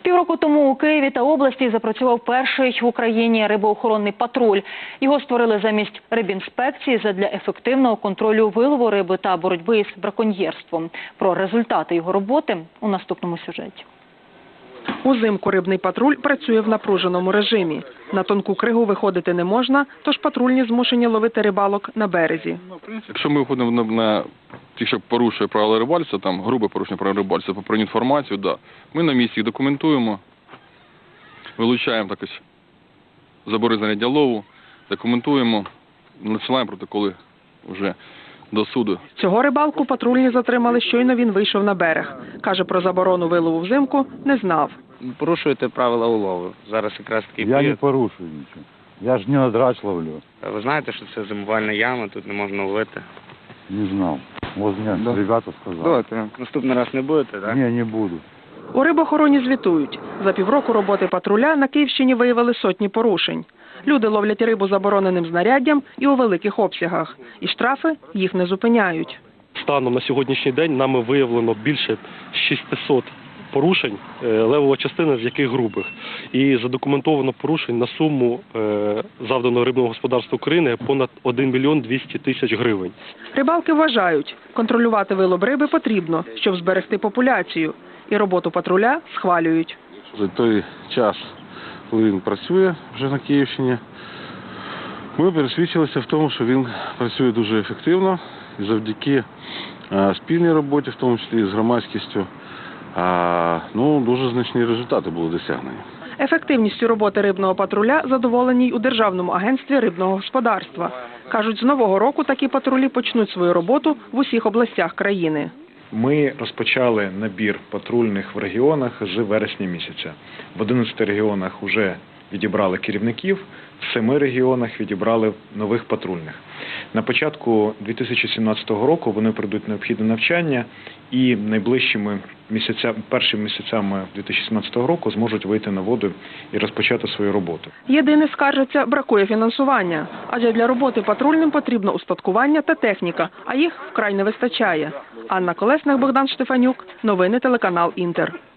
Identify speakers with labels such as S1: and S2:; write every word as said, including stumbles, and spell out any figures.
S1: Півроку тому у Києві та області запрацював перший в Україні рибоохоронний патруль. Його створили замість рибінспекції задля ефективного контролю вилову риби та боротьби із браконьєрством. Про результати його роботи у наступному сюжеті.
S2: Узимку рибний патруль працює в напруженому режимі. На тонку кригу виходити не можна, тож патрульні змушені ловити рибалок на березі.
S3: Якщо ми виходимо на, на ті, що порушує правила рибальства, там грубе порушення правил рибальства, попри інформацію, да, ми на місці їх документуємо, вилучаємо так ось забори знаряддя лову, документуємо, надсилаємо протоколи вже до суду.
S2: Цього рибалку патрульні затримали, щойно він вийшов на берег. Каже, про заборону вилову взимку не знав.
S4: Порушуєте правила улову. Зараз якраз такий
S5: Я
S4: період.
S5: не порушую нічого. Я ж не на драч ловлю.
S4: Ви знаєте, що це зимувальна яма, тут не можна ловити?
S5: Не знав. Ось мені
S4: Да.
S5: ребята сказали.
S4: Давайте. Наступний раз не будете, так?
S5: Ні, не буду.
S2: У рибоохороні звітують. За півроку роботи патруля на Київщині виявили сотні порушень. Люди ловлять рибу забороненим знаряддям і у великих обсягах. І штрафи їх не зупиняють.
S6: Станом на сьогоднішній день нами виявлено більше шістсот порушень, левова частина з яких грубих. І задокументовано порушень на суму завданого рибного господарства України понад один мільйон двісті тисяч гривень.
S2: Рибалки вважають, контролювати вилов риби потрібно, щоб зберегти популяцію. І роботу патруля схвалюють.
S7: За той час, коли він працює вже на Київщині, ми пересвідчилися в тому, що він працює дуже ефективно і завдяки а, спільній роботі, в тому числі з громадськістю, а, ну, дуже значні результати були досягнені.
S2: Ефективністю роботи рибного патруля задоволені й у Державному агентстві рибного господарства. Кажуть, з нового року такі патрулі почнуть свою роботу в усіх областях країни.
S8: Ми розпочали набір патрульних в регіонах з вересня місяця. В одинадцяти регіонах вже відібрали керівників, в семи регіонах відібрали нових патрульних. На початку дві тисячі сімнадцятого року вони пройдуть необхідне навчання і найближчими місяцями, першими місяцями дві тисячі сімнадцятого року зможуть вийти на воду і розпочати свою роботу.
S2: Єдине, скаржаться, бракує фінансування. Адже для роботи патрульним потрібно устаткування та техніка, а їх вкрай не вистачає. Анна Колесник, Богдан Штефанюк. Новини телеканал «Інтер».